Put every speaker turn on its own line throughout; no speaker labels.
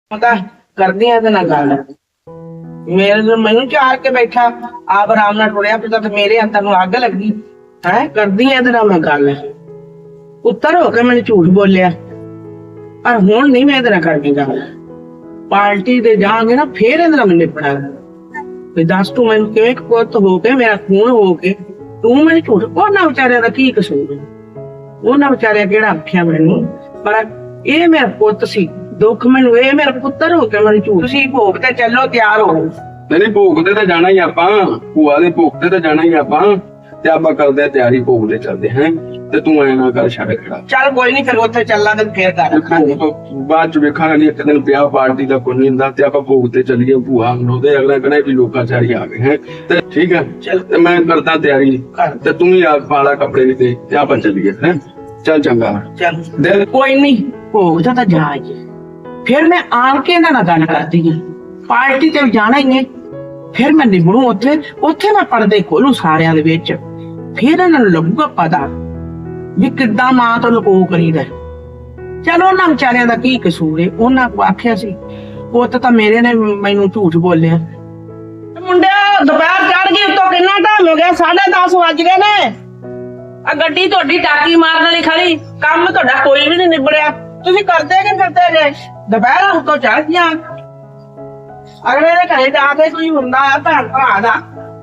पता करदी है ना गल मेरे मैनू चार के बैठा आप आराम नाल टुरिया फिरदा ते मेरे अंदर नूं अग लगी है करदी है मैं गल उत्तर हो के मैंने झूठ बोलिया पर हुण नहीं मैं तेरा करनी गल पार्टी ते जांगे ना फिर इहदे नाल निपड़ा ते दस तू मैनू किवें पुत हो के मेरा खून हो के तू मैनू झूठ उन्हां विचारियां दा की कसूर है उन्हां विचारियां किहड़ा आखिया मैनू पर ਇਹ ਮੇਰਾ ਪੁੱਤ ਸੀ ਦੁੱਖ ਮੈਨੂੰ ਇਹ ਮੇਰਾ ਪੁੱਤਰ ਹੋ ਕੇ ਮੈਨੂੰ ਝੂਠ ਸੀ ਭੋਗ ਤੇ ਚੱਲੋ ਤਿਆਰ ਹੋ
ਨਹੀਂ ਭੋਗ ਤੇ ਤਾਂ ਜਾਣਾ ਹੀ ਆਪਾਂ ਭੂਆ ਦੇ ਭੋਗ ਤੇ ਤਾਂ ਜਾਣਾ ਹੀ ਆਪਾਂ ਤੇ ਆਪਾਂ ਕਰਦੇ ਆ ਤਿਆਰੀ ਭੋਗ ਦੇ ਚੱਲਦੇ ਹੈ ਤੇ ਤੂੰ ਐ ਨਾ ਕਰ ਛੱਡ ਖੜਾ
ਚੱਲ ਕੋਈ ਨਹੀਂ ਫਿਰ ਉੱਥੇ ਚੱਲਾਂਗੇ ਫੇਰ ਕਰ ਰੱਖਾਂਗੇ
ਬਾਅਦ ਚ ਵੇਖਾਂਗੇ ਨਹੀਂ ਇੱਕ ਦਿਨ ਵਿਆਹ ਪਾਰਟੀ ਦਾ ਕੋਈ ਨਹੀਂ ਹੁੰਦਾ ਤੇ ਆਪਾਂ ਭੋਗ ਤੇ ਚੱਲੀਏ ਭੂਆ ਨੂੰ ਤੇ ਅਗਲਾ ਕਹਿੰਦਾ ਵੀ ਲੋਕਾਚਾਰੀ ਆ ਗਏ ਹੈ ਤੇ ਠੀਕ ਹੈ ਤੇ ਮੈਂ ਕਰਦਾ ਤਿਆਰੀ ਤੇ ਤੂੰ ਹੀ ਆ ਪਾਲਾ ਕੱਪੜੇ ਵੀ ਤੇ ਆਪਾਂ ਚੱਲੀਏ ਹੈ ਚੱਲ ਚੰਗਾ
ਚੱਲ ਕੋਈ ਨਹੀਂ ਭੋਗ ਦਾ ਤਾਂ ਜਾਈਏ ਫਿਰ ਮੈਂ ਆਣ ਕੇ ਇਹਨਾਂ ਨਾਲ ਗੱਲ ਕਰਦੀ ਹਾਂ ਪਾਰਟੀ ਤੇ ਜਾਣਾ ਹੀ ਹੈ ਫਿਰ ਮੈਂ ਨਿਭਣੂ ਉੱਥੇ ਮੈਂ ਪਰਦੇ ਖੋਲੂ ਸਾਰਿਆਂ ਦੇ ਵਿੱਚ ਫਿਰ ਇਹਨਾਂ ਨੂੰ ਲੱਗੂਗਾ ਪਤਾ ਵੀ ਕਿੱਦਾਂ ਮਾਂ ਤੋਂ ਲੁਕੋ ਕਰੀਦਾ ਚਲੋ ਉਹਨਾਂ ਵਿਚਾਰਿਆਂ ਦਾ ਕੀ ਕਸੂਰ ਹੈ ਉਹਨਾਂ ਕੋ ਆਖਿਆ ਸੀ ਪੁੱਤ ਤਾਂ ਮੇਰੇ ਨੇ ਮੈਨੂੰ ਝੂਠ ਬੋਲਿਆ ਮੁੰਡਿਆ ਦੁਪਹਿਰ ਚੜ ਗਈ ਉੱਤੋਂ ਕਿੰਨਾ ਟਾਈਮ ਹੋ ਗਿਆ 10:30 ਵੱਜ ਗਏ ਨੇ ਆ ਗੱਡੀ ਤੁਹਾਡੀ ਟਾਕੀ ਮਾਰਨ ਵਾਲੀ ਖੜੀ ਕੰਮ ਤੁਹਾਡਾ ਕੋਈ ਵੀ ਨਹੀਂ ਨਿਬੜਿਆ ਤੁਸੀਂ ਕਰਦੇ ਕਿ ਫਿਰਦੇ ਜੇ ਦੁਪਹਿਰ ਉੱਤੋਂ ਚੜ ਗਿਆ ਅਗਲੇ ਦੇ ਘਰੇ ਜਾ ਕੇ ਕੋਈ ਹੁੰਦਾ ਆ ਭੈਣ ਭਰਾ ਦਾ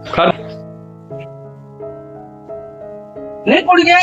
ਨਹੀਂ ਕੁੜੀਏ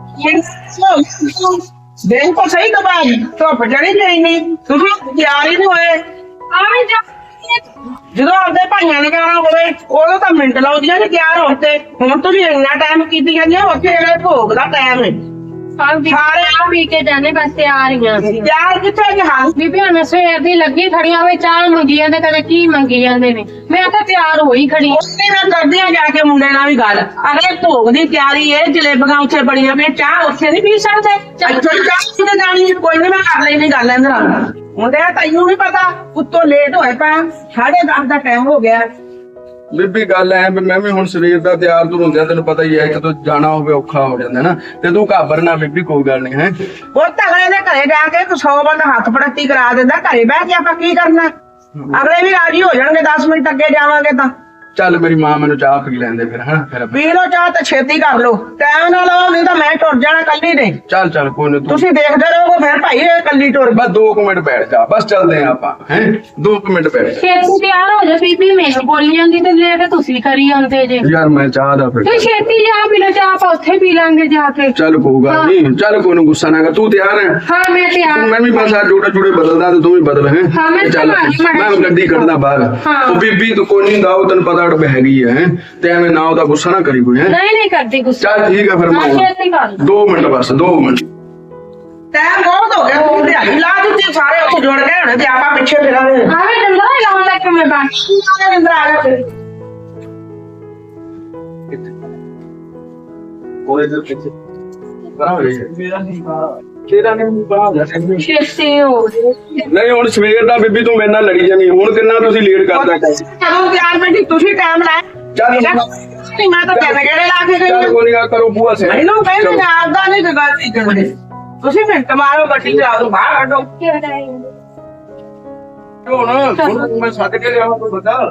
ਦੇਖ ਕੋ ਸਹੀ ਦਬਾਈ ਧੁੱਪ ਚੜੀ ਗਈ ਨਹੀਂ ਤੁਸੀਂ ਤਿਆਰ ਹੀ ਨਹੀਂ ਹੋਏ ਆਵੇਂ ਜਾ ਜਦੋਂ ਆਪਦੇ ਭਾਈਆਂ ਨੇ ਕਹਿਣਾ ਹੋਵੇ ਉਦੋਂ ਤਾਂ ਮਿੰਟ ਲਾਉਂਦੀਆਂ ਨੇ ਤਿਆਰ ਹੋਣ ਤੇ ਹੁਣ ਤੁਸੀਂ ਇੰਨਾ ਟਾਈਮ ਕੀਤੀ ਜਾਂਦੀਆਂ ਉੱਥੇ ਜਿਹੜਾ ਭੋਗ ਦਾ ਟਾਈਮ ਹੈ
ਸਾਰੇ ਆ ਪੀ ਕੇ ਜਾਣੇ ਬਸ ਤਿਆਰ ਹੀ ਆ
ਤਿਆਰ ਕਿੱਥੇ ਕਿ ਹਾਂ
ਬੀਬੀ ਹੁਣ ਸਵੇਰ ਦੀ ਲੱਗੀ ਖੜੀਆਂ ਹੋਏ ਚਾਹ ਮੰਗੀ ਜਾਂਦੇ ਕਦੇ ਕੀ ਮੰਗੀ ਜਾਂਦੇ ਨੇ ਮੈਂ ਤਾਂ ਤਿਆਰ ਹੋਈ ਖੜੀ
ਉੱਥੇ ਮੈਂ ਕਰਦੀ ਆ ਜਾ ਕੇ ਮੁੰਡੇ ਨਾਲ ਵੀ ਗੱਲ ਅਰੇ ਭੋਗ ਦੀ ਤਿਆਰੀ ਹੈ ਜਲੇਬੀਆਂ ਉੱਥੇ ਬੜੀਆਂ ਪਈਆਂ ਚਾਹ ਉੱਥੇ ਨਹੀਂ ਪੀ ਸਕਦੇ ਇੱਥੋਂ ਚਾਹ ਕਿਤੇ ਜਾਣੀ ਕੋਈ ਨਹੀਂ ਮੈਂ ਕਰ ਲੈਣੀ ਗੱਲ ਇਹਨਾਂ ਨਾਲ ਮੁੰਡਿਆ ਤੈਨੂੰ ਨਹੀਂ ਪਤਾ ਉੱਤੋਂ ਲੇਟ ਹੋਏ ਪਾ 10:30 ਦਾ ਟਾਈਮ ਹੋ ਗਿਆ
ਬੀਬੀ ਗੱਲ ਐ ਵੀ ਮੈਂ ਵੀ ਹੁਣ ਸਰੀਰ ਦਾ ਤਿਆਰ ਤੁਰ ਹੁੰਦਿਆ ਤੈਨੂੰ ਪਤਾ ਹੀ ਹੈ ਜਦੋਂ ਜਾਣਾ ਹੋਵੇ ਔਖਾ ਹੋ ਜਾਂਦਾ ਨਾ ਤੇ ਤੂੰ ਘਾਬਰ ਨਾ ਬੀਬੀ ਕੋਈ ਗੱਲ ਨਹੀਂ ਹੈ
ਉਹ ਤਗੜੇ ਦੇ ਘਰੇ ਜਾ ਕੇ 100 ਬੰਦਾ ਹੱਥ ਪੜਤੀ ਕਰਾ ਦਿੰਦਾ ਘਰੇ ਬਹਿ ਕੇ ਆਪਾਂ ਕੀ ਕਰਨਾ ਅਗਲੇ ਵੀ ਰਾਜੀ ਹੋ ਜਾਣਗੇ 10 ਮਿੰਟ ਅੱਗੇ ਜਾਵਾਂਗੇ ਤਾਂ
ਚੱਲ ਮੇਰੀ ਮਾਂ ਮੈਨੂੰ ਚਾਹ ਪੀ ਲੈਂਦੇ ਫਿਰ ਹਾਂ ਫਿਰ
ਪੀ ਲੋ ਚਾਹ ਤੇ ਛੇਤੀ ਕਰ ਲੋ ਟਾਈਮ ਨਾਲ ਆਓ ਨਹੀਂ ਤਾਂ ਮੈਂ ਟੁਰ ਜਾਣਾ ਕੱਲੀ ਨੇ
ਚੱਲ ਚੱਲ ਕੋਈ ਨਹੀਂ
ਤੁਸੀਂ ਦੇਖਦੇ ਰਹੋਗੇ ਫਿਰ ਭਾਈ ਇਹ ਕੱਲੀ ਟੁਰ
ਬਸ 2 ਮਿੰਟ ਬੈਠ ਜਾ ਬਸ ਚੱਲਦੇ ਆ ਆਪਾਂ ਹੈ 2 ਮਿੰਟ ਬੈਠ ਜਾ
ਛੇਤੀ ਤਿਆਰ ਹੋ ਜਾ ਬੀਬੀ ਮੈਨੂੰ ਬੋਲੀ ਜਾਂਦੀ ਤੇ ਲੈ ਕੇ ਤੁਸੀਂ ਕਰੀ ਜਾਂਦੇ ਜੇ
ਯਾਰ ਮੈਂ ਚਾਹ ਦਾ ਫਿਰ
ਤੇ ਛੇਤੀ ਜਾ ਪੀ ਲੋ ਚਾਹ ਆਪਾਂ ਉੱਥੇ ਪੀ ਲਾਂਗੇ ਜਾ ਕੇ
ਚੱਲ ਕੋਈ ਗੱਲ ਨਹੀਂ ਚੱਲ ਕੋਈ ਨੂੰ ਗੁੱਸਾ ਨਾ ਕਰ ਤੂੰ ਤਿਆਰ ਹੈ
ਹਾਂ ਮੈਂ ਤਿਆਰ
ਮੈਂ ਵੀ ਬਸ ਆ ਜੋੜੇ ਜੋੜੇ ਬਦਲਦਾ ਤੇ ਤੂੰ ਵੀ ਬਦਲ ਹੈ
ਹਾਂ, ਮੈਂ
ਚੱਲ ਮੈਂ ਗੱਡੀ ਕੱਢਦਾ ਬਾਹਰ ਉਹ ਬੀਬੀ ਤੂੰ ਕੋਈ ਨਹੀਂ ਦਾਉ ਤੈਨੂੰ ਪਤਾ ਅੜ ਹੈਗੀ ਹੈ ਤੇ ਐਵੇਂ ਨਾ ਉਹਦਾ ਗੁੱਸਾ ਨਾ ਕਰੀ ਕੋਈ ਹੈ
ਨਹੀਂ ਕਰਦੀ ਗੁੱਸਾ
ਚੱਲ ਠੀਕ ਹੈ ਫਿਰ
ਹਾਂ ਛੇਤੀ ਕਰ
2 ਮਿੰਟ ਬਸ 2 ਮਿੰਟ
ਟਾਈਮ ਬਹੁਤ ਹੋ ਗਿਆ ਤੂੰ ਦਿਹਾੜੀ ਲਾ ਦਿੱਤੀ ਸਾਰੇ ਉੱਥੇ ਜੁੜ ਗਏ ਹੋਣੇ ਤੇ ਆਪਾਂ ਪਿੱਛੇ ਫਿਰਾਂਗੇ
ਆਵੇ ਡੰਡਾ ਲਾਉਣ ਲੱਗ ਮੈਂ ਬਾਕੀ
ਸਾਰੇ ਅੰਦਰ ਆ ਜਾ ਫਿਰ
ਉਹਦੇ ਦੇ ਪਿੱਛੇ ਬਣਾ ਹੋ ਗਿਆ ਮੇਰਾ ਨਹੀਂ ਤੇਰਾ ਨਹੀਂ ਬਣਾ ਜਾ
ਛੇਤੀ ਹੋ
ਨਹੀਂ ਹੁਣ ਸਵੇਰ ਦਾ ਬੀਬੀ ਤੂੰ ਮੇਰੇ ਨਾਲ ਲੜੀ ਜਾਨੀ ਹੁਣ ਕਿੰਨਾ ਤੁਸੀਂ ਲੇਟ ਕਰਦਾ
ਚਲੋ 4 ਮਿੰਟ ਤੁਸੀਂ ਟਾਈਮ ਲਾਇਆ
ਚੱਲ
ਨਹੀਂ ਮੈਂ ਤਾਂ ਕਿਵੇਂ ਕਿਹੜੇ ਲਾ ਕੇ ਗਈ
ਚੱਲ ਕੋਈ ਨਹੀਂ ਕਰੋ ਬੂਆ ਸੇ
ਮੈਨੂੰ ਕਹਿੰਦੇ ਨੇ ਆਪਦਾ ਨਹੀਂ ਤੇ ਗੱਲ ਨਹੀਂ ਕਰਦੇ ਤੁਸੀਂ ਮਿੰਟ ਮਾਰੋ ਗੱਡੀ ਚਲਾ ਦੋ ਬਾਹਰ ਕੱਢੋ
ਹੁਣ ਮੈਂ ਸੱਦ ਕੇ ਲਿਆਵਾਂ ਕੋਈ ਬਤਾ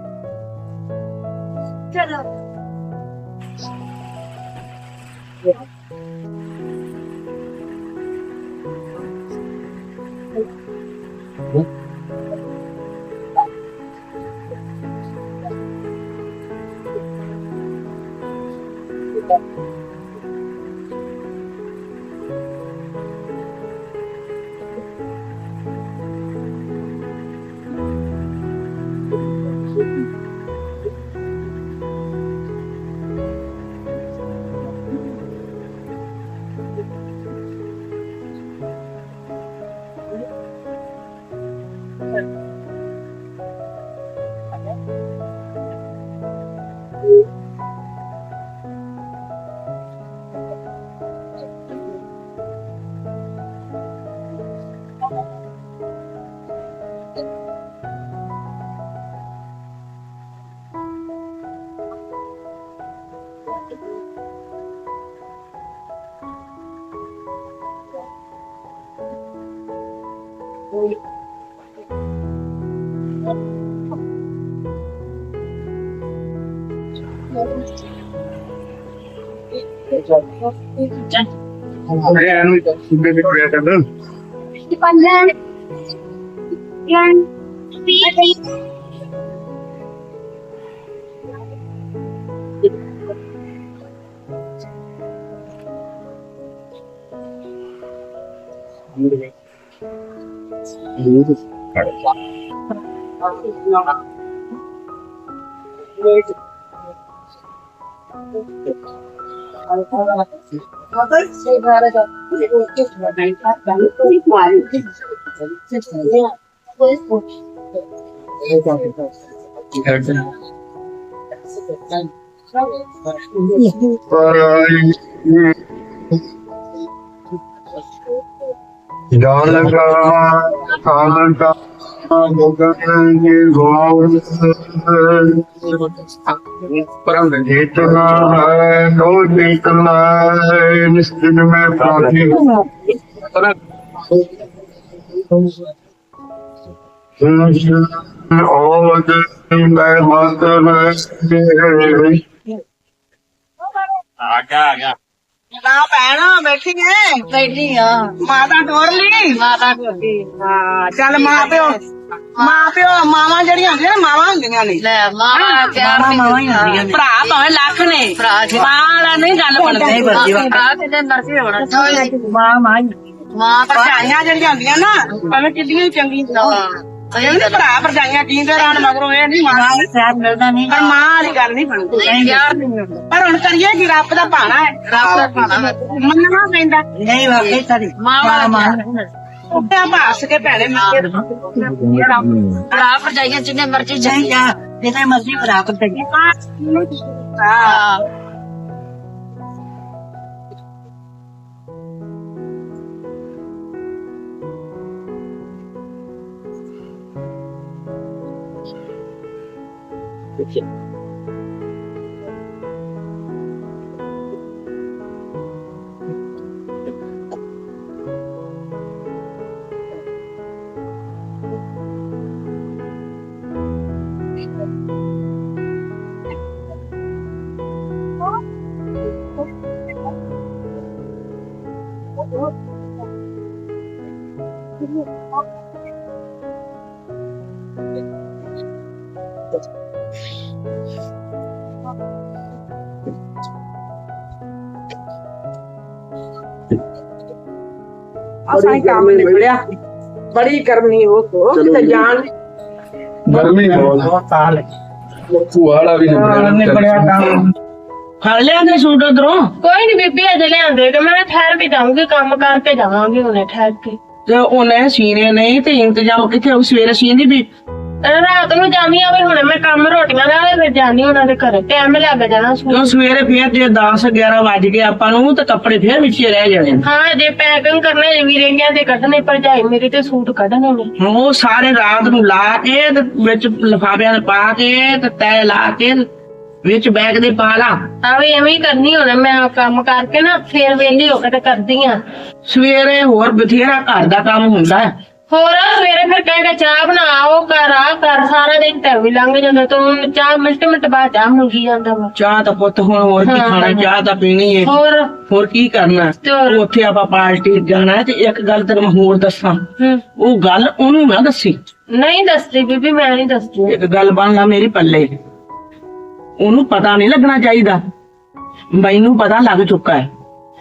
ਚਲੋ
जितना है तो जितना है निश्चित में प्रार्थी और मैं माता
ਨਾ ਭੈਣਾ ਬੈਠੀ ਐ
ਬੈਠੀ ਆ
ਮਾਤਾ ਟੋਰ ਲਈ
ਮਾਤਾ ਕੋਟੀ
ਹਾਂ ਚੱਲ ਮਾਂ ਪਿਓ ਮਾਵਾਂ ਜਿਹੜੀਆਂ ਹੁੰਦੀਆਂ ਨੇ ਮਾਵਾਂ ਹੁੰਦੀਆਂ ਨੇ
ਲੈ ਮਾਂ ਪਿਆਰ ਦੀ
ਭਰਾ ਭਾਵੇਂ ਲੱਖ ਨੇ
ਭਰਾ ਜੀ
ਮਾਂ ਵਾਲਾ ਨਹੀਂ ਗੱਲ ਬਣਦੀ
ਭਰਾ ਤੇ ਮਰਜ਼ੀ ਹੋਣਾ ਮਾਂ
ਭਰਜਾਈਆਂ ਜਿਹੜੀਆਂ ਹੁੰਦੀਆਂ ਨਾ ਭਾਵੇਂ ਕਿੰਨੀਆਂ ਚੰਗੀਆਂ ਨਹੀਂ ਭਰਾ ਭਰਜਾਈਆਂ ਜੀਂਦੇ ਰਹਿਣ ਮਗਰੋਂ ਇਹ ਨਹੀਂ ਮਾਂ
ਪਿਆਰ ਮਿਲਦਾ ਨਹੀਂ
ਪਰ ਮਾਂ ਵਾਲੀ ਗੱਲ ਨਹੀਂ ਬਣਦੀ
ਪਿਆਰ ਨਹੀਂ ਮਿਲਦਾ
ਪਰ ਹੁਣ ਕਰੀਏ ਕਿ ਰੱਬ ਦਾ ਭਾਣਾ ਹੈ
ਰੱਬ ਦਾ ਭਾਣਾ
ਮੰਨਣਾ ਪੈਂਦਾ
ਨਹੀਂ ਵਾਕਈ ਸਾਡੀ ਮਾਂ ਵਾਲਾ
ਉੱਤੇ ਭਾਸ ਕੇ ਭੈਣੇ ਮਿਲ
ਭਰਾ ਭਰਜਾਈਆਂ ਜਿੰਨੇ ਮਰਜ਼ੀ ਚਾਹੀਦਾ ਜਿੰਨੇ ਮਰਜ਼ੀ ਭਰਾ ਭਰਜਾਈਆਂ
ਹਾਂ काम निकलिया बड़ी गर्मी हो तो जान
गर्मी बहुत फुहाड़ा भी
निकलिया काम फड़ लिया ने सूट उधरों
ਕੋਈ ਨਹੀਂ ਬੀਬੀ ਅਜੇ ਲਿਆਂਦੇ ਕਿ ਮੈਂ ਠਹਿਰ ਕੇ ਜਾਊਂਗੀ ਕੰਮ ਕਰਕੇ ਜਾਵਾਂਗੀ ਹੁਣੇ ਠਹਿਰ ਕੇ
ਤੇ ਉਹਨੇ ਸੀਨੇ ਨਹੀਂ ਤੇ ਇੰਤਜ਼ਾਮ ਕਿੱਥੇ ਸਵੇਰੇ ਸੀਂਦੀ ਵੀ
ਰਾਤ ਨੂੰ ਜਾਣੀ ਆ ਵੀ ਹੁਣੇ ਮੈਂ ਕੰਮ ਰੋਟੀਆਂ ਨਾਲ ਫਿਰ ਜਾਣੀ ਉਹਨਾਂ ਦੇ ਘਰ ਟਾਈਮ ਲੱਗ ਜਾਣਾ
ਕਿਉਂ ਸਵੇਰੇ ਫੇਰ ਜੇ 10 11 ਵੱਜ ਗਏ ਆਪਾਂ ਨੂੰ ਤੇ ਕੱਪੜੇ ਫੇਰ ਵਿੱਚੇ ਰਹਿ ਜਾਣੇ ਨੇ।
ਹਾਂ ਜੇ ਪੈਕਿੰਗ ਕਰਨੇ ਵੀ ਰਹਿੰਗਿਆਂ ਦੇ ਕੱਢਣੇ ਭਰਜਾਈ ਮੇਰੇ ਤੇ ਸੂਟ ਕੱਢਣੇ ਨੇ
ਉਹ ਸਾਰੇ ਰਾਤ ਨੂੰ ਲਾ ਕੇ ਤੇ ਵਿੱਚ ਲਿਫਾਫਿਆਂ ਦੇ ਪਾ ਕੇ ਤੇ ਤੈ ਲਾ ਕੇ ਵਿੱਚ ਬੈਗ ਦੇ ਪਾ ਲਾ
ਆ ਵੀ ਐਵੇਂ ਹੀ ਕਰਨੀ ਹੁਣ ਮੈਂ ਕੰਮ ਕਰਕੇ ਨਾ ਫੇਰ ਵੇਲੀ ਹੋ ਕੇ ਤੇ ਕਰਦੀ ਆ
ਸਵੇਰੇ ਹੋਰ ਬਥੇਰਾ ਘਰ ਦਾ ਕੰਮ ਹੁੰਦਾ ਹੈ।
ਹੋਰ ਸਵੇਰੇ ਫਿਰ ਕਹਿੰਦਾ ਚਾਹ ਬਣਾਓ ਕਰ ਆ ਕਰ ਸਾਰਾ ਦਿਨ ਤਾਂ ਵੀ ਲੰਘ ਜਾਂਦਾ ਤੂੰ ਚਾਹ ਮਿੰਟ ਬਾਅਦ ਚਾਹ ਮੰਗੀ ਜਾਂਦਾ ਵਾ
ਚਾਹ ਤਾਂ ਪੁੱਤ ਹੁਣ ਹੋਰ ਕੀ ਖਾਣਾ ਚਾਹ ਤਾਂ ਪੀਣੀ ਹੈ ਹੋਰ ਕੀ ਕਰਨਾ ਉੱਥੇ ਆਪਾਂ ਪਾਰਟੀ ਜਾਣਾ ਹੈ ਤੇ ਇੱਕ ਗੱਲ ਤੈਨੂੰ ਮੈਂ ਹੋਰ ਦੱਸਾਂ ਉਹ ਗੱਲ ਉਹਨੂੰ ਨਾ ਦੱਸੀ
ਨਹੀਂ ਦੱਸਦੀ ਬੀਬੀ ਮੈਂ ਨਹੀਂ ਦੱਸਦੀ
ਇੱਕ ਗੱਲ ਬਣ ਲਾ ਮੇਰੀ ਪੱਲੇ ਉਹਨੂੰ ਪਤਾ ਨਹੀਂ ਲੱਗਣਾ ਚਾਹੀਦਾ ਮੈਨੂੰ ਪਤਾ ਲੱਗ ਚੁੱਕਾ ਹੈ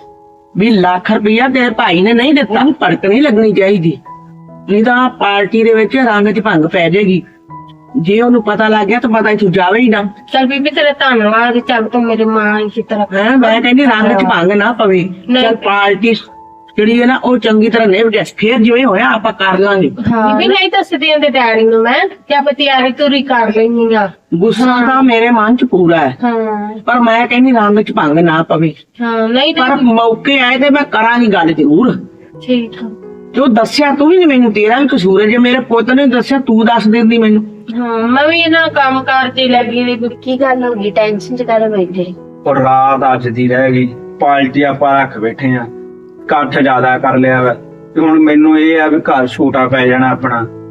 ਵੀ ਲੱਖ ਰੁਪਇਆ ਤੇਰੇ ਭਾਈ ਨੇ ਨਹੀਂ ਦਿੱਤਾ ਭੜਕ ਨਹੀਂ ਲੱਗਣੀ ਚਾਹੀਦੀ ਨਹੀਂ ਤਾਂ ਪਾਰਟੀ ਦੇ ਵਿੱਚ ਰੰਗ 'ਚ ਭੰਗ ਪੈ ਜਾਏਗੀ ਜੇ ਉਹਨੂੰ ਪਤਾ ਲੱਗ ਗਿਆ ਤਾਂ ਪਤਾ ਤੂੰ ਜਾਵੇ ਹੀ ਨਾ
ਚੱਲ ਬੀਬੀ ਤੇਰਾ ਧੰਨਵਾਦ ਚੱਲ ਤੂੰ ਮੇਰੀ ਮਾਂ ਇਸੇ ਤਰ੍ਹਾਂ
ਹੈ ਮੈਂ ਕਹਿੰਦੀ ਰੰਗ 'ਚ ਭੰਗ ਨਾ ਪਵੇ ਚੱਲ ਪਾਰਟੀ ਜਿਹੜੀ ਹੈ ਨਾ ਉਹ ਚੰਗੀ ਤਰ੍ਹਾਂ ਨਿਭ ਜਾ ਫੇਰ ਜਿਵੇਂ ਹੋਇਆ ਆਪਾਂ ਕਰ ਲਾਂਗੇ
ਬੀਬੀ ਨਹੀਂ ਦੱਸਦੀ ਉਹਦੇ ਡੈਡੀ ਨੂੰ ਮੈਂ ਕਿ ਆਪਾਂ ਤਿਆਰੀ ਤੁਰੀ ਕਰ ਲੈਣੀ ਆ
ਗੁੱਸਾ ਤਾਂ ਮੇਰੇ ਮਨ 'ਚ ਪੂਰਾ ਹੈ
ਹਾਂ
ਪਰ ਮੈਂ ਕਹਿੰਦੀ ਰੰਗ 'ਚ ਭੰਗ ਨਾ ਪਵੇ
ਹਾਂ ਨਹੀਂ
ਪਰ ਮੌਕੇ ਆਏ ਤੇ ਮੈਂ ਕਰਾਂਗੀ ਗੱਲ ਜ਼ਰੂਰ
ਠੀਕ ਆ
ਜੋ ਦੱਸਿਆ ਤੂੰ ਵੀ ਨੀ ਮੈਨੂੰ ਤੇਰਾ ਵੀ ਕਸੂਰ ਹੈ ਜੇ ਮੇਰੇ ਪੁੱਤ ਨੇ ਦੱਸਿਆ ਤੂੰ ਦੱਸ ਦਿੰਦੀ ਮੈਨੂੰ
ਹਾਂ ਮੈਂ ਵੀ ਇਹਨਾਂ ਕੰਮ ਕਰਦੀ ਲੱਗੀ ਰਹੀ ਕੀ ਗੱਲ ਹੋ ਗਈ ਟੈਨਸ਼ਨ ਚ ਕਰ ਬੈਠੇ
ਔਰ ਰਾਤ ਅੱਜ ਦੀ ਰਹਿ ਗਈ ਪਾਰਟੀ ਆਪਾਂ ਰੱਖ ਬੈਠੇ ਆ ਇਕੱਠ ਜ਼ਿਆਦਾ ਕਰ ਲਿਆ ਵਾ ਤੇ ਹੁਣ ਮੈਨੂੰ ਇਹ ਆ ਵੀ ਘਰ ਛੋਟਾ ਪੈ ਜਾਣਾ ਆਪਣਾ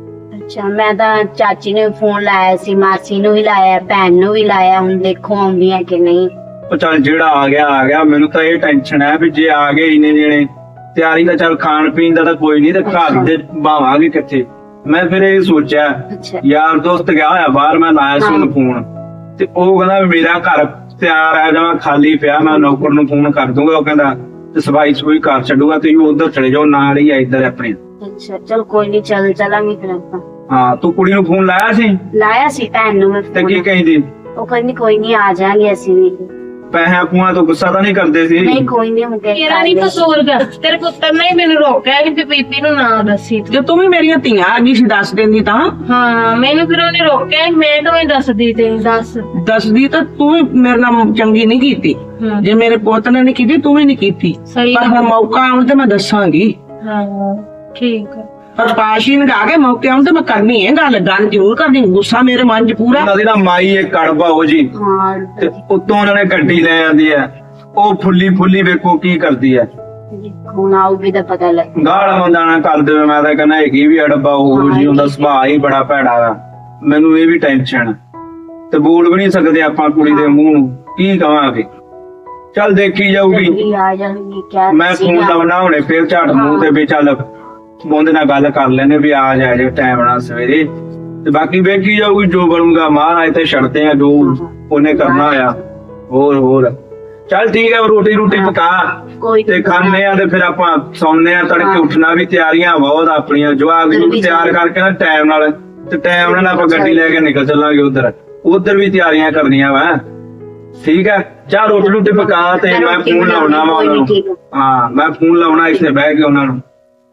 ਅੱਛਾ ਮੈਂ ਤਾਂ ਚਾਚੀ ਨੂੰ ਫੋਨ ਲਾਇਆ ਸੀ, ਮਾਸੀ ਨੂੰ ਵੀ ਲਾਇਆ, ਭੈਣ ਨੂੰ ਵੀ ਲਾਇਆ, ਹੁਣ ਦੇਖੋ ਆਉਂਦੀਆਂ ਕਿ ਨਹੀਂ।
ਉਹ ਚੱਲ ਜਿਹੜਾ ਆ ਗਿਆ ਮੈਨੂੰ ਤਾਂ ਇਹ ਟੈਨਸ਼ਨ ਹੈ ਵੀ ਜੇ ਆ ਗਏ ਇੰਨੇ ਜਣੇ ਤਿਆਰੀ ਤਾਂ ਚੱਲ ਖਾਣ ਪੀਣ ਦਾ ਤਾਂ ਕੋਈ ਨਹੀਂ ਤੇ ਘਰ ਦੇ ਭਾਵਾਂਗੇ ਕਿੱਥੇ। ਮੈਂ ਫਿਰ ਇਹ ਸੋਚਿਆ
ਅੱਛਾ
ਯਾਰ ਦੋਸਤ ਗਿਆ ਹੋਇਆ ਬਾਹਰ, ਮੈਂ ਲਾਇਆ ਸੀ ਉਹਨੂੰ ਫੋਨ ਤੇ ਉਹ ਕਹਿੰਦਾ ਵੀ ਮੇਰਾ ਘਰ ਤਿਆਰ ਹੈ ਜਮਾ ਖਾਲੀ ਪਿਆ, ਮੈਂ ਨੌਕਰ ਨੂੰ ਫੋਨ ਕਰ ਦੂੰਗਾ। ਉਹ ਕਹਿੰਦਾ ਤੇ ਸਫਾਈ ਸਫੂਈ ਕਰ ਛੱਡੂਗਾ, ਤੁਸੀਂ ਉਧਰ ਚਲੇ ਜਾਓ ਨਾਲ ਹੀ ਆ ਇੱਧਰ ਆਪਣੇ।
ਅੱਛਾ ਚਲ ਕੋਈ ਨਹੀਂ, ਚਲਾਂਗੇ ਫਿਰ ਆਪਾਂ।
ਹਾਂ ਤੂੰ ਕੁੜੀ ਨੂੰ ਫੋਨ ਲਾਇਆ ਸੀ
ਲਾਇਆ ਸੀ ਭੈਣ ਨੂੰ ਮੈਂ
ਤੇ ਕੀ
phone।
ਕਹਿੰਦੀ?
ਉਹ ਕਹਿੰਦੀ ਕੋਈ ਨਹੀਂ ਆ ਜਾਾਂਗੇ ਅਸੀਂ ਵੀ।
ਪੈਸਿਆਂ ਪੂਆਂ ਤੋਂ ਗੁੱਸਾ ਤਾਂ ਨਹੀਂ ਕਰਦੇ ਸੀ?
ਨਹੀਂ ਕੋਈ ਨਹੀਂ ਹੁੰਦੇ।
ਮੇਰਾ ਨਹੀਂ ਕਸੂਰ ਗਾ, ਤੇਰੇ ਪੁੱਤਰ ਨੇ ਹੀ ਮੈਨੂੰ ਰੋਕਿਆ ਕਿ ਬੀਬੀ ਨੂੰ ਨਾ ਦੱਸੀ ਤੂੰ।
ਜੇ ਤੂੰ ਵੀ ਮੇਰੀਆਂ ਧੀਆਂ ਆ ਗਈ ਸੀ ਦੱਸ ਦਿੰਦੀ ਤਾਂ।
ਹਾਂ ਮੈਨੂੰ ਫਿਰ ਉਹਨੇ ਰੋਕਿਆ ਕਿ ਮੈਂ ਕਿਵੇਂ ਦੱਸਦੀ ਤੇ ਦੱਸ।
ਦੱਸਦੀ ਤਾਂ ਤੂੰ ਵੀ ਮੇਰੇ ਨਾਲ ਚੰਗੀ ਨਹੀਂ ਕੀਤੀ।
ਹਾਂ
ਜੇ ਮੇਰੇ ਪੁੱਤ ਨੇ ਨਹੀਂ ਕੀਤੀ ਤੂੰ ਵੀ ਨਹੀਂ ਕੀਤੀ।
ਸਹੀ
ਪਰ ਹੁਣ ਮੌਕਾ ਆਉਣ ਤੇ ਮੈਂ ਦੱਸਾਂਗੀ।
ਹਾਂ ਠੀਕ ਆ।
ਪਰ ਪਾਸ਼ੀ ਨੇ ਆ ਕੇ ਮੌਕੇ ਆਉਣ ਤੇ ਮੈਂ ਕਰਨੀ ਹੈ ਗੱਲ ਜ਼ਰੂਰ ਕਰਨੀ। ਗੁੱਸਾ ਮੇਰੇ ਮਨ 'ਚ ਪੂਰਾ।
ਉਹਨਾਂ ਦੀ ਨਾ ਮਾਈ ਇੱਕ ਕੜਵਾ ਹੋ ਜੀ
ਹਾਂ
ਤੇ ਉੱਤੋਂ ਉਹਨਾਂ ਨੇ ਗੱਡੀ ਲੈ ਆਂਦੀ ਹੈ, ਉਹ ਫੁੱਲੀ ਵੇਖੋ ਕੀ ਕਰਦੀ ਹੈ।
ਹੁਣ ਆਊਗੀ ਤਾਂ ਪਤਾ ਲੱਗ।
ਗਾਲ ਮੰਦਾਣਾ ਕਰ ਦੇਵੇ, ਮੈਂ ਤਾਂ ਕਹਿੰਦਾ ਹੈਗੀ ਵੀ ਅੜਬਾ ਉਹ ਜੀ, ਉਹਦਾ ਸੁਭਾਅ ਹੀ ਬੜਾ ਭੈੜਾ ਆ। ਮੈਨੂੰ ਇਹ ਵੀ ਟੈਨਸ਼ਨ ਤੇ ਬੋਲ ਵੀ ਨਹੀਂ ਸਕਦੇ ਆਪਾਂ ਕੁੜੀ ਦੇ ਮੂੰਹ ਨੂੰ, ਕੀ ਕਵਾਂਗੇ। ਚੱਲ ਦੇਖੀ ਜਾਊਗੀ।
ਜਲਦੀ ਆ ਜਾਣਗੇ ਕਿਆ।
ਮੈਂ ਫੋਨ ਲਾਉਣਾ ਹੁਣੇ ਫੇਰ ਝਾਟ ਮੂੰਹ ਤੇ ਵੀ ਚੱਲ ਉਹਦੇ ਨਾਲ ਗੱਲ ਕਰ ਲੈਨੇ ਵੀ ਆ ਜਾਏ ਜੇ ਟਾਈਮ ਨਾਲ ਸਵੇਰੇ, ਤੇ ਬਾਕੀ ਵੇਖੀ ਜਾਊਗੀ ਜੋ ਬਣੂਗਾ। ਮਹਾਰਾਜ ਤੇ ਛੱਡਦੇ ਆ ਜੋ ਉਹਨੇ ਕਰਨਾ ਆ। ਹੋਰ ਚੱਲ ਠੀਕ ਹੈ, ਰੋਟੀ ਪਕਾ
ਕੋਈ
ਤੇ ਖਾਣੇ ਆ ਤੇ ਫਿਰ ਆਪਾਂ ਸੌਂਦੇ ਆ। ਤੜਕੇ ਉੱਠਣਾ ਵੀ, ਤਿਆਰੀਆਂ ਬਹੁਤ ਆਪਣੀਆਂ। ਜਵਾਗ ਨੂੰ ਤਿਆਰ ਕਰਕੇ ਨਾ ਟਾਈਮ ਨਾਲ, ਤੇ ਟਾਈਮ ਨਾਲ ਆਪਾਂ ਗੱਡੀ ਲੈ ਕੇ ਨਿਕਲ ਚੱਲਾਂਗੇ ਉਧਰ ਵੀ ਤਿਆਰੀਆਂ ਕਰਨੀਆਂ ਵਾ। ਠੀਕ ਹੈ ਚਾਹ ਰੋਟੀ ਪਕਾ ਤੇ ਮੈਂ ਫੋਨ ਲਾਉਣਾ ਵਾ ਉਹਨਾਂ ਨੂੰ। ਹਾਂ ਮੈਂ ਫੋਨ ਲਾਉਣਾ ਇੱਥੇ ਬਹਿ ਕੇ ਉਹਨਾਂ ਨੂੰ।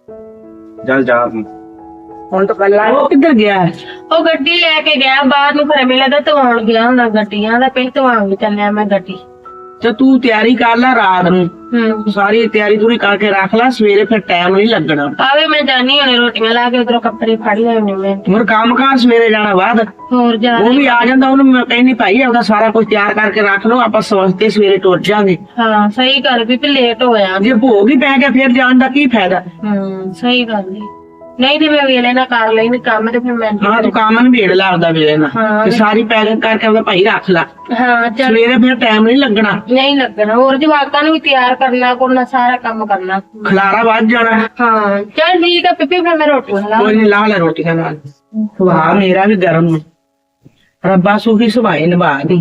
ਚੱਲ ਜਾ ਤੂੰ।
ਹੁਣ ਤਾਂ ਕੱਲਾ ਉਹ ਕਿੱਧਰ ਗਿਆ?
ਉਹ ਗੱਡੀ ਲੈ ਕੇ ਗਿਆ ਬਾਹਰ ਨੂੰ, ਫਿਰ ਮੈਨੂੰ ਲੱਗਦਾ ਧਵਾਉਣ ਗਿਆ ਹੁੰਦਾ ਗੱਡੀਆਂ ਦਾ। ਪਹਿਲਾਂ ਧਵਾਉਣ ਚੱਲਿਆ ਮੈਂ ਗੱਡੀ।
ਤੇ ਤੂੰ ਤਿਆਰੀ ਕਰ ਲੈ ਰਾਤ ਨੂੰ, ਸਾਰੀ ਤਿਆਰੀ ਤੂੰ ਕਰਕੇ ਰੱਖ ਲੈ, ਸਵੇਰੇ ਫਿਰ ਟਾਈਮ ਨਹੀਂ ਲੱਗਣਾ।
ਆਵੇ ਮੈਂ ਜਾਣੀ ਹੁਣੇ ਰੋਟੀਆਂ ਲਾ ਕੇ ਉਧਰੋਂ ਕੱਪੜੇ ਫੜ ਲੈਣੇ ਮੈਂ।
ਹੋਰ ਕੰਮ ਕਾਰ ਸਵੇਰੇ ਜਾਣਾ ਬਾਅਦ।
ਹੋਰ ਜਾ
ਉਹ ਵੀ ਆ ਜਾਂਦਾ, ਉਹਨੂੰ ਮੈਂ ਕਹਿੰਦੀ ਭਾਈ ਆਪਦਾ ਸਾਰਾ ਕੁਝ ਤਿਆਰ ਕਰਕੇ ਰੱਖ ਲਓ, ਆਪਾਂ ਸਵਸਤੇ ਸਵੇਰੇ ਟੁਰ ਜਾਾਂਗੇ।
ਹਾਂ ਸਹੀ ਗੱਲ ਵੀ ਲੇਟ ਹੋਇਆ।
ਜੇ ਭੋਗ ਹੀ ਪੈ ਗਿਆ ਫਿਰ ਜਾਣ ਦਾ ਕੀ ਫਾਇਦਾ।
ਸਹੀ ਗੱਲ ਨੀ। ਨਹੀਂ ਤੇ ਮੈਂ ਵੇਲੇ ਨਾ ਕਰ ਲੈਣੀ ਕੰਮ ਤੇ ਫਿਰ ਮੈਂ।
ਹਾਂ ਤੂੰ ਕੰਮ ਨਿਬੇੜ ਲਾ ਆਪਦਾ ਵੇਲੇ ਨਾਲ,
ਹਾਂ।
ਤੇ ਸਾਰੀ ਪੈਕਿੰਗ ਕਰਕੇ ਆਪਦਾ ਭਾਈ ਰੱਖ ਲੈ,
ਹਾਂ ਚੱਲ
ਸਵੇਰੇ ਫਿਰ ਟਾਈਮ ਨਹੀਂ ਲੱਗਣਾ।
ਨਹੀਂ ਲੱਗਣਾ। ਹੋਰ ਜਵਾਕਾਂ ਨੂੰ ਵੀ ਤਿਆਰ ਕਰਨਾ, ਕਰਨਾ ਸਾਰਾ ਕੰਮ ਕਰਨਾ।
ਖਲਾਰਾ ਵੱਧ ਜਾਣਾ।
ਹਾਂ ਚੱਲ ਠੀਕ ਆ ਪਿੱਪੀ, ਫਿਰ ਮੈਂ ਰੋਟੀ ਲਾ।
ਕੋਈ ਨੀ ਲਾ ਲੈ ਰੋਟੀਆਂ ਨਾਲ। ਸੁਭਾਅ ਮੇਰਾ ਵੀ ਗਰਮ ਹੈ, ਰੱਬਾ ਸੁਖੀ ਸੁਭਾਅ ਨਿਭਾ ਦੀ।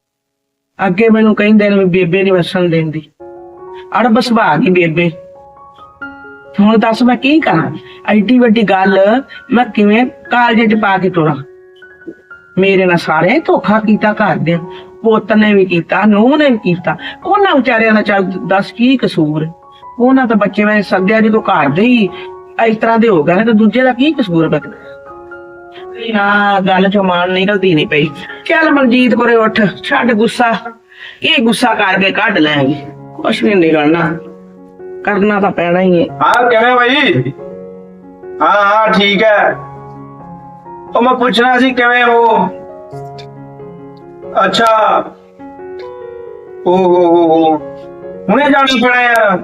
ਅੱਗੇ ਮੈਨੂੰ ਕਹਿੰਦੇ ਨੇ ਵੀ ਬੇਬੇ ਨੀ ਵਸਣ ਦਿੰਦੀ, ਅੜਬ ਸੁਭਾਅ ਦੀ ਬੇਬੇ। ਹੁਣ ਦੱਸ ਮੈਂ ਕੀ ਕਰਾਂ? ਐਡੀ ਵੱਡੀ ਗੱਲ ਮੈਂ ਕਿਵੇਂ ਕਾਲਜੇ ਚ ਪਾ ਕੇ ਤੋਰਾਂ? ਮੇਰੇ ਨਾਲ ਸਾਰੇ ਧੋਖਾ ਕੀਤਾ ਘਰ ਦੇ, ਪੁੱਤ ਨੇ ਵੀ ਕੀਤਾ, ਨੂੰਹ ਨੇ ਵੀ ਕੀਤਾ। ਉਹਨਾਂ ਵਿਚਾਰਿਆਂ ਦਾ ਚੱਲ ਦੱਸ ਕੀ ਕਸੂਰ? ਉਹਨਾਂ ਤਾਂ ਬੱਚੇ ਮੈਂ ਸੱਦਿਆ ਜਦੋਂ ਘਰ ਦੇ ਹੀ ਇਸ ਤਰ੍ਹਾਂ ਦੇ ਹੋ ਗਏ ਤੇ ਦੂਜੇ ਦਾ ਕੀ ਕਸੂਰ ਬਕਦਾ? ਨਾ ਗੱਲ ਚੋਂ ਮਾਨ ਨਿਕਲਦੀ ਨਹੀਂ ਪਈ। ਚੱਲ ਮਨਜੀਤ ਕੋਰੇ ਉੱਠ, ਛੱਡ ਗੁੱਸਾ। ਇਹ ਗੁੱਸਾ ਕਰਕੇ ਕੱਢ ਲੈਂਗੇ, ਕੁਛ ਨਹੀਂ ਨਿਕਲਣਾ, ਕਰਨਾ ਤਾਂ ਪੈਣਾ ਹੀ ਹੈ।
ਹਾਂ ਕਿਵੇਂ ਭਾਈ? ਹਾਂ ਠੀਕ ਹੈ। ਉਹ ਮੈਂ ਪੁੱਛਣਾ ਸੀ ਕਿਵੇਂ ਹੋ? ਅੱਛਾ ਓ ਹੁਣੇ ਜਾਣਾ ਪੈਣਾ ਯਾਰ।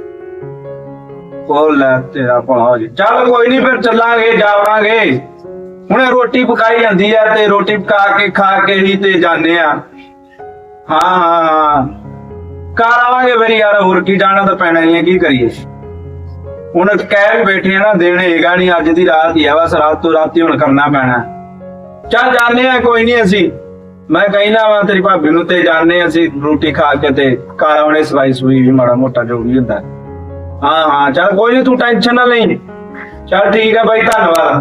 ਉਹ ਲੈ ਤੇਰਾ ਭਲਾ ਜੀ। ਚੱਲ ਕੋਈ ਨਹੀਂ ਫਿਰ ਚੱਲਾਂਗੇ, ਜਾਵਾਂਗੇ। ਹੁਣੇ ਰੋਟੀ ਪਕਾਈ ਜਾਂਦੀ ਆ ਤੇ ਰੋਟੀ ਪਕਾ ਕੇ ਖਾ ਕੇ ਹੀ ਤੇ ਜਾਂਦੇ ਆ। ਹਾਂ ਘਰ ਆਵਾਂਗੇ ਫਿਰ ਯਾਰ, ਹੋਰ ਕੀ ਜਾਣਾ ਤਾਂ ਪੈਣਾ ਹੀ ਹੈ, ਕੀ ਕਰੀਏ। ਹੁਣ ਕਹਿ ਵੀ ਬੈਠੇ ਆ ਨਾ, ਦਿਨ ਹੈਗਾ ਨਹੀਂ, ਅੱਜ ਦੀ ਰਾਤ ਹੀ ਆ ਬਸ, ਰਾਤ ਤੋਂ ਰਾਤੀ ਹੁਣ ਕਰਨਾ ਪੈਣਾ। ਚੱਲ ਜਾਂਦੇ ਆ ਕੋਈ ਨਹੀਂ, ਅਸੀਂ ਮੈਂ ਕਹਿਣਾ ਵਾ ਤੇਰੀ ਭਾਬੀ ਨੂੰ ਤੇ ਜਾਂਦੇ ਆ ਅਸੀਂ ਰੋਟੀ ਖਾ ਕੇ ਤੇ ਘਰ ਆਉਣੇ, ਸਵਾਈ ਸੂਈ ਵੀ ਮਾੜਾ ਮੋਟਾ ਜੋ ਵੀ ਹੁੰਦਾ। ਹਾਂ ਚੱਲ ਕੋਈ ਨਹੀਂ, ਤੂੰ ਟੈਨਸ਼ਨ ਨਾ ਲਈ। ਚੱਲ ਠੀਕ ਹੈ ਬਾਈ, ਧੰਨਵਾਦ।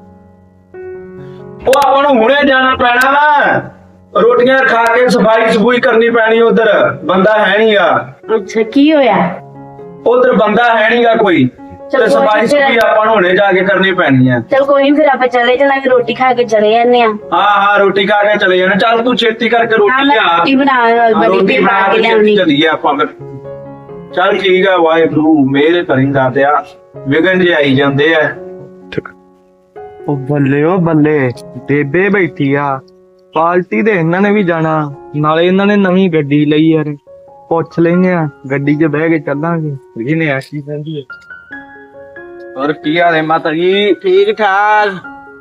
ਉਹ ਆਪਾਂ ਨੂੰ ਹੁਣੇ ਜਾਣਾ ਪੈਣਾ ਵਾ, ਰੋਟੀਆਂ ਖਾ ਕੇ ਸਫਾਈ ਸਫੂਈ ਕਰਨੀ ਪੈਣੀ। ਉਧਰ ਬੰਦਾ ਹੈ ਨਹੀਂਗਾ।
ਅੱਛਾ ਕੀ ਹੋਇਆ?
ਉਧਰ ਬੰਦਾ ਹੈ ਨਹੀਂਗਾ ਕੋਈ, ਤੇ ਸਫਾਈ ਸਫੂਈ ਆਪਾਂ ਨੂੰ ਹੁਣੇ ਜਾ ਕੇ ਕਰਨੀ ਪੈਣੀ ਹੈ।
ਚਲ ਕੋਈ ਨੀ, ਫਿਰ ਆਪਾਂ ਚਲੇ ਜਾਵਾਂਗੇ, ਰੋਟੀ ਖਾ ਕੇ ਚਲੇ ਜਾਂਦੇ ਆ।
ਹਾਂ ਰੋਟੀ ਖਾ ਕੇ ਚਲੇ ਜਾਣਾ। ਚੱਲ ਤੂੰ ਛੇਤੀ ਕਰਕੇ ਰੋਟੀ ਲਿਆ,
ਰੋਟੀ ਬਣਾ
ਰੋਟੀ ਬਣਾ ਕੇ ਚੱਲੀਏ ਆਪਾਂ ਫਿਰ। ਚੱਲ ਠੀਕ ਆ, ਵਾਹਿਗੁਰੂ ਮਿਹਰ ਕਰਿੰਦਾ ਤੇ ਆ ਵਿਗਨ ਜੇ ਆਈ ਜਾਂਦੇ ਆ।
ਉਹ ਬੱਲੇ ਉਹ ਬੱਲੇ, ਬੇਬੇ ਬੈਠੀ ਆ, ਪਾਰਟੀ ਤੇ ਇਹਨਾਂ ਨੇ ਵੀ ਜਾਣਾ, ਨਾਲੇ ਇਹਨਾਂ ਨੇ ਨਵੀਂ ਗੱਡੀ ਲਈ ਯਾਰ। ਪੁੱਛ ਲੈਨੇ ਆ, ਗੱਡੀ 'ਚ ਬਹਿ ਕੇ ਚੱਲਾਂਗੇ। ਇਹਨੇ ਐਸੀ ਕਹਿੰਦੀ ਹੈ।
ਹੋਰ ਕੀ ਹਾਲ ਹੈ ਮਾਤਾ ਜੀ?
ਠੀਕ ਠਾਕ।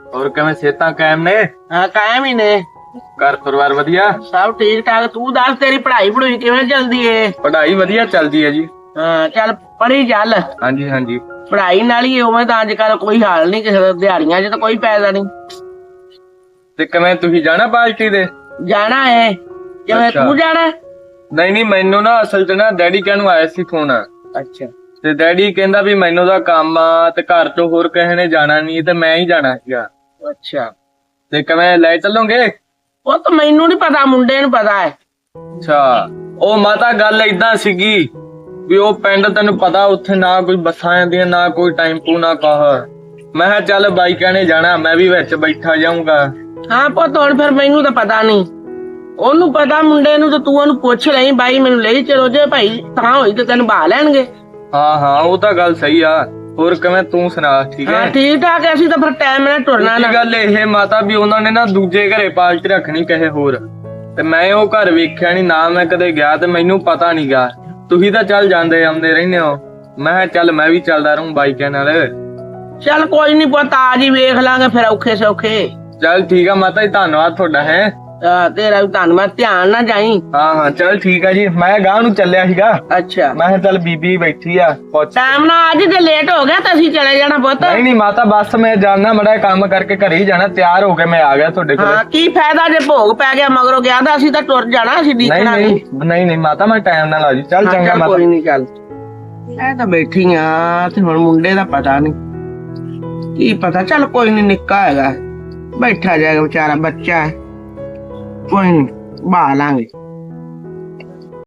ਹੋਰ ਕਿਵੇਂ ਸਿਹਤਾਂ ਕਾਇਮ ਨੇ?
ਹਾਂ ਕਾਇਮ ਹੀ ਨੇ।
ਘਰ ਪਰਿਵਾਰ ਵਧੀਆ?
ਸਭ ਠੀਕ ਠਾਕ। ਤੂੰ ਦੱਸ ਤੇਰੀ ਪੜ੍ਹਾਈ ਪੜੂਈ ਕਿਵੇਂ ਚੱਲਦੀ ਏ?
ਪੜ੍ਹਾਈ ਵਧੀਆ ਚੱਲਦੀ ਹੈ ਜੀ।
ਹਾਂ ਚੱਲ ਪੜ੍ਹੀ ਚੱਲ।
ਹਾਂਜੀ ਹਾਂਜੀ।
ਪੜ੍ਹਾਈ ਨਾਲ ਹੀ ਉਵੇਂ ਤਾਂ ਅੱਜ ਕੱਲ ਕੋਈ ਹਾਲ ਨਹੀਂ ਕਿਸੇ ਦਾ, ਦਿਹਾੜੀਆਂ 'ਚ ਤਾਂ ਕੋਈ ਫਾਇਦਾ ਨਹੀਂ।
ਤੇ ਕਿਵੇਂ ਤੁਸੀਂ ਜਾਣਾ ਪਾਰਟੀ ਦੇ?
ਜਾਣਾ ਏ। ਕਿਵੇਂ
ਅੱਛਾ।
ਤੂੰ ਜਾਣਾ?
ਨਹੀਂ ਨਹੀਂ, ਮੈਨੂੰ ਨਾ ਅਸਲ 'ਚ ਨਾ ਡੈਡੀ ਕਹਿਣ ਨੂੰ ਆਇਆ ਸੀ ਫੋਨ,
ਅੱਛਾ
ਤੇ ਡੈਡੀ ਕਹਿੰਦਾ ਵੀ ਮੈਨੂੰ ਦਾ ਕੰਮ ਆ ਤੇ ਘਰ ਤੋਂ ਹੋਰ ਕਿਸੇ ਨੇ ਜਾਣਾ ਨਹੀਂ ਤੇ ਮੈਂ ਹੀ ਜਾਣਾ ਸੀਗਾ।
ਅੱਛਾ।
ਤੇ ਕਿਵੇਂ ਲੈ ਚੱਲੋਗੇ?
ਉਹ ਤਾਂ ਮੈਨੂੰ ਨਹੀਂ ਪਤਾ, ਮੁੰਡੇ ਨੂੰ ਪਤਾ ਹੈ।
ਅੱਛਾ। ਉਹ ਮਾਤਾ ਗੱਲ ਏਦਾਂ ਸੀਗੀ ਵੀ ਉਹ ਪਿੰਡ ਤੈਨੂੰ ਪਤਾ ਉੱਥੇ ਨਾ ਕੋਈ ਬੱਸਾਂ ਆਉਂਦੀਆਂ ਨਾ ਕੋਈ ਟੈਂਪੂ ਨਾ ਕਾਹ। ਮੈਂ ਕਿਹਾ ਚੱਲ ਬਾਈਕਾਂ ਨੇ ਜਾਣਾ, ਮੈਂ ਵੀ ਵਿੱਚ ਬੈਠਾ ਜਾਊਂਗਾ।
ਹਾਂ ਪੁੱਤ ਹੁਣ ਫਿਰ ਮੈਨੂੰ ਤਾਂ ਪਤਾ ਨਹੀਂ, ਉਹਨੂੰ ਪਤਾ ਮੁੰਡੇ ਨੂੰ, ਤੇ ਤੂੰ ਉਹਨੂੰ ਪੁੱਛ ਲਈ ਬਾਈ ਮੈਨੂੰ ਲਈ ਚਲੋ, ਜੇ ਭਾਈ ਤਾਂ ਹੋਈ ਤੇ ਤੈਨੂੰ ਬਹਾ ਲੈਣਗੇ।
ਹਾਂ ਹਾਂ, ਉਹ ਤਾਂ ਗੱਲ ਸਹੀ ਆ। ਹੋਰ ਕਿਵੇਂ ਤੂੰ ਸੁਣਾ? ਠੀਕ
ਹਾਂ
ਹੈ।
ਠੀਕ ਠਾਕ ਹੈ। ਅਸੀਂ ਤਾਂ ਫਿਰ ਟਾਈਮ ਨਾਲ ਟੁਰਨਾ ਨਾ।
ਦੂਜੀ ਗੱਲ ਇਹ ਮਾਤਾ ਵੀ ਉਹਨਾਂ ਨੇ ਨਾ ਦੂਜੇ ਘਰੇ ਪਾਰਟੀ ਰੱਖਣੀ ਕਿਸੇ ਹੋਰ, ਤੇ ਮੈਂ ਉਹ ਘਰ ਵੇਖਿਆ ਨਹੀਂ ਨਾ, ਮੈਂ ਕਦੇ ਗਿਆ ਤੇ ਮੈਨੂੰ ਪਤਾ ਨੀ ਗਾ। ਤੁਸੀਂ ਤਾਂ ਚੱਲ ਜਾਂਦੇ ਆਉਂਦੇ ਰਹਿੰਦੇ ਹੋ, ਮੈਂ ਕਿਹਾ ਚੱਲ ਮੈਂ ਵੀ ਚੱਲਦਾ ਰਹੂੰ ਬਾਈਕਾਂ ਨਾਲ।
ਚੱਲ ਕੋਈ ਨੀ ਪੁੱਤ, ਆ ਜੀ ਵੇਖ ਲਾਂਗੇ ਫਿਰ ਔਖੇ ਸੌਖੇ।
ਚੱਲ ਠੀਕ ਆ ਮਾਤਾ ਜੀ, ਧੰਨਵਾਦ ਤੁਹਾਡਾ। ਹੈ
ਤੇਰਾ ਵੀ ਧੰਨਵਾਦ, ਧਿਆਨ ਨਾਲ ਜਾਈ।
ਹਾਂ ਹਾਂ ਚੱਲ ਠੀਕ ਆ ਜੀ। ਮੈਂ ਗਾਂ ਨੂੰ ਚੱਲਿਆ ਸੀਗਾ,
ਅੱਛਾ
ਮੈਂ ਕਿਹਾ ਚੱਲ ਬੀਬੀ ਬੈਠੀ ਆ ਪੁੱਛ।
ਟਾਈਮ ਨਾਲ ਅੱਜ ਜੇ ਲੇਟ ਹੋ ਗਿਆ ਤਾਂ ਅਸੀਂ ਚਲੇ ਜਾਣਾ ਪੁੱਤ।
ਨਹੀਂ ਨਹੀਂ ਮਾਤਾ, ਬਸ ਮੈਂ ਜਾਣਾ, ਮੜਾ ਕੰਮ ਕਰਕੇ ਘਰੇ ਹੀ ਜਾਣਾ। ਤਿਆਰ ਹੋ ਕੇ ਮੈਂ ਆ ਗਿਆ ਤੁਹਾਡੇ ਕੋਲ।
ਹਾਂ ਕੀ ਫਾਇਦਾ ਜੇ ਭੋਗ ਪੈ ਗਿਆ ਮਗਰੋਂ ਗਿਆ ਤਾਂ ਅਸੀਂ ਤਾਂ ਟੁਰ ਜਾਣਾ, ਅਸੀਂ
ਨਹੀਂ
ਦੇਖਣਾ
ਨਹੀਂ ਨਹੀਂ ਨਹੀਂ ਮਾਤਾ, ਮੈਂ ਟਾਈਮ ਨਾਲ ਆ ਜੀ। ਚੱਲ ਚੰਗਾ ਮਾਤਾ।
ਕੋਈ ਨਹੀਂ ਚੱਲ। ਇਹ ਤਾਂ ਬੈਠੀ ਆ ਤੇ ਹੁਣ ਮੁੰਡੇ ਦਾ ਪਤਾ ਨਹੀਂ ਕੀ ਪਤਾ। ਚੱਲ ਕੋਈ ਨਹੀਂ, ਨਿੱਕਾ ਹੈਗਾ, ਬੈਠਾ ਜਾਏਗਾ ਵਿਚਾਰਾ, ਬੱਚਾ ਹੈ, ਕੋਈ ਨਹੀਂ ਬਹਾ ਲਾਂਗੇ।